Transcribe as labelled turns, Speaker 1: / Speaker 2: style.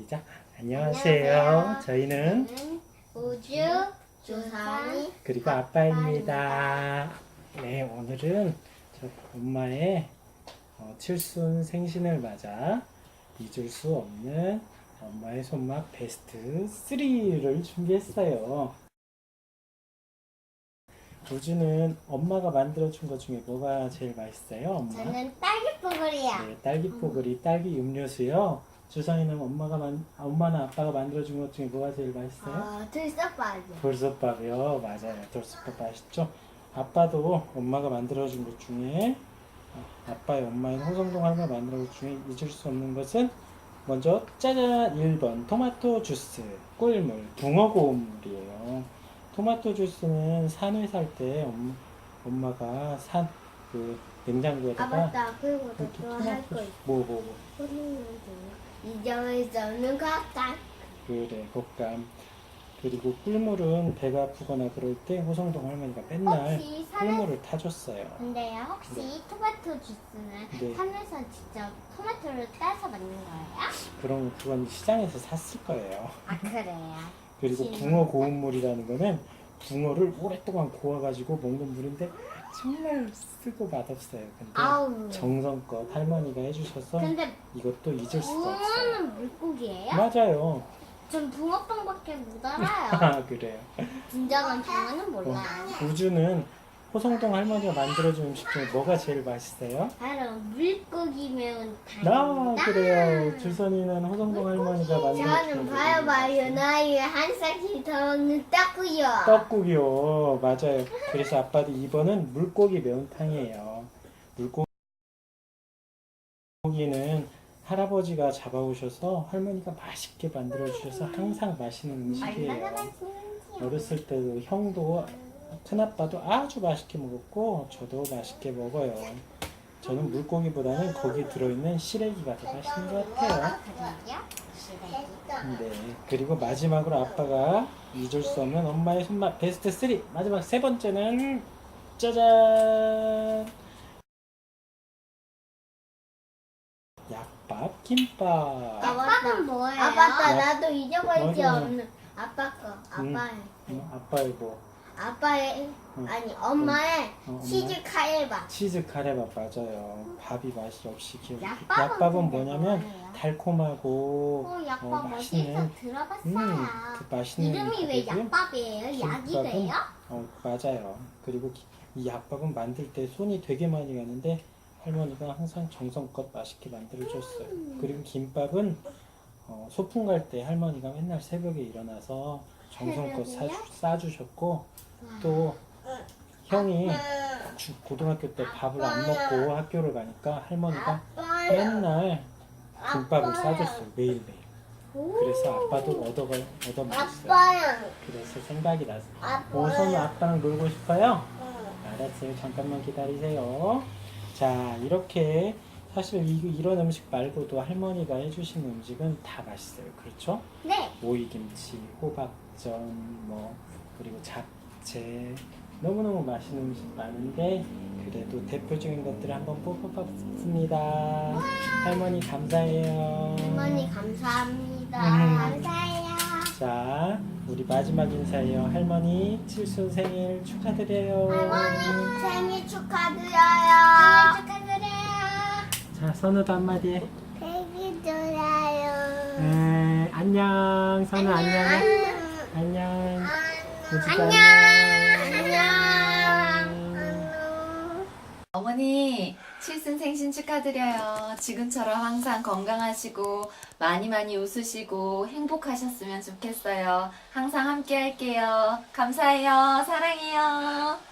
Speaker 1: 시작. 안녕하세요.
Speaker 2: 안녕하세요.
Speaker 1: 저희는
Speaker 2: 우주 조선
Speaker 1: 그리고 아빠입니다. 네, 오늘은 저 엄마의 칠순 생신을 맞아 잊을 수 없는 엄마의 손맛 베스트 3를 준비했어요. 우주는 엄마가 만들어준 것 중에 뭐가 제일 맛있어요, 엄마?
Speaker 2: 저는 딸기뽀글이요.
Speaker 1: 네, 딸기 뽀글이, 딸기 음료수요. 주성이는 엄마나 아빠가 만들어준 것 중에 뭐가 제일 맛있어요?
Speaker 2: 들썩밥이요.
Speaker 1: 돌솥밥이요. 맞아요. 돌솥밥 맛있죠? 아빠도 엄마가 만들어준 것 중에 아빠의 엄마인 호성동 할머니가 만들어준 것 중에 잊을 수 없는 것은 먼저 짜잔 1번 토마토 주스 꿀물 붕어고물이에요. 토마토 주스는 산에 살 때 엄마가 산 그 냉장고에다가
Speaker 2: 맞다. 그리고 또
Speaker 1: 이렇게
Speaker 2: 할 거 있어.
Speaker 1: 뭐
Speaker 2: 잊을 수 없는 것감.
Speaker 1: 그래 곶감. 그리고 꿀물은 배가 아프거나 그럴 때 호성동 할머니가 맨날
Speaker 2: 혹시
Speaker 1: 꿀물을 타줬어요.
Speaker 2: 근데요, 혹시 토마토 주스는
Speaker 1: 네.
Speaker 2: 산에서 직접 토마토를 따서 만든 거예요?
Speaker 1: 그럼 그건 시장에서 샀을 거예요.
Speaker 2: 아, 그래요.
Speaker 1: 그리고 붕어 고운물이라는 거는 붕어를 오랫동안 고아가지고 먹는 물인데 정말 쓰고 맛없어요. 근데
Speaker 2: 아우.
Speaker 1: 정성껏 할머니가 해주셔서
Speaker 2: 근데
Speaker 1: 이것도 잊을 수가 없어요.
Speaker 2: 붕어는 물고기예요?
Speaker 1: 맞아요.
Speaker 2: 전 붕어빵밖에 못 알아요.
Speaker 1: 아 그래요.
Speaker 2: 진정한 붕어는 몰라요.
Speaker 1: 우주는 호성동 할머니가 만들어준 음식 중에 뭐가 제일 맛있어요?
Speaker 2: 바로 물고기 매운
Speaker 1: 나
Speaker 2: 탕입니다.
Speaker 1: 그래요. 주선이는 호성동 할머니가 만들어준
Speaker 2: 저는 봐요 나이에 한 살씩 더 먹는 떡구요.
Speaker 1: 떡국이요. 맞아요. 그래서 아빠도 이번은 물고기 매운탕이에요. 물고기는 할아버지가 잡아오셔서 할머니가 맛있게 만들어주셔서 항상 맛있는 음식이에요. 어렸을 때도 형도 큰아빠도 아주 맛있게 먹었고 저도 맛있게 먹어요. 저는 물고기보다는 거기 들어있는 시래기가 더 맛있는 것 같아요. 네. 그리고 마지막으로 아빠가 잊을 수 없는 엄마의 손맛 베스트 3 마지막 세 번째는 짜잔 약밥 김밥.
Speaker 2: 아빠는 뭐예요? 아 맞다 나도 잊어버리지 없는 아빠 거
Speaker 1: 아빠의 뭐
Speaker 2: 아빠의
Speaker 1: 응.
Speaker 2: 아니 엄마의
Speaker 1: 엄마?
Speaker 2: 치즈 카레밥.
Speaker 1: 치즈 카레밥 맞아요. 밥이 맛이 없이 기억이.
Speaker 2: 약밥은
Speaker 1: 약밥은
Speaker 2: 근데
Speaker 1: 뭐냐면
Speaker 2: 뭐예요?
Speaker 1: 달콤하고
Speaker 2: 약밥
Speaker 1: 맛있는
Speaker 2: 어디서 들어봤어요.
Speaker 1: 그 맛있는
Speaker 2: 이름이 왜
Speaker 1: 밥이고요.
Speaker 2: 약밥이에요? 약이
Speaker 1: 김밥은
Speaker 2: 돼요?
Speaker 1: 맞아요. 그리고 이 약밥은 만들 때 손이 되게 많이 가는데 할머니가 항상 정성껏 맛있게 만들어줬어요. 그리고 김밥은 소풍 갈 때 할머니가 맨날 새벽에 일어나서 정성껏
Speaker 2: 새벽에요?
Speaker 1: 싸주셨고 또 형이 고등학교 때 밥을 안 먹고 학교를 가니까 할머니가 맨날 김밥을 싸줬어요. 매일매일. 그래서 아빠도 얻어 먹었어요.
Speaker 2: 아빠야.
Speaker 1: 그래서 생각이 났어요.
Speaker 2: 아빠.
Speaker 1: 오선우 아빠랑 놀고 싶어요? 알았어요. 잠깐만 기다리세요. 자, 이렇게 사실 이런 음식 말고도 할머니가 해주신 음식은 다 맛있어요. 그렇죠?
Speaker 2: 네.
Speaker 1: 오이김치, 호박전, 그리고 잡채 너무너무 맛있는 음식 많은데 그래도 대표적인 것들을 한번 뽑아봤습니다. 할머니 감사해요.
Speaker 2: 할머니 감사합니다.
Speaker 1: 음.
Speaker 2: 감사해요.
Speaker 1: 자, 우리 마지막 인사예요. 할머니 칠순 생일 축하드려요.
Speaker 2: 할머니 생일 축하드려요. 생일 축하드려요.
Speaker 1: 자, 선우도 한마디 해.
Speaker 2: 생일 축하드려요.
Speaker 1: 안녕. 선우 안녕. 안녕. 우주도
Speaker 2: 안녕.
Speaker 3: 어머니, 칠순 생신 축하드려요. 지금처럼 항상 건강하시고 많이 많이 웃으시고 행복하셨으면 좋겠어요. 항상 함께 할게요. 감사해요. 사랑해요.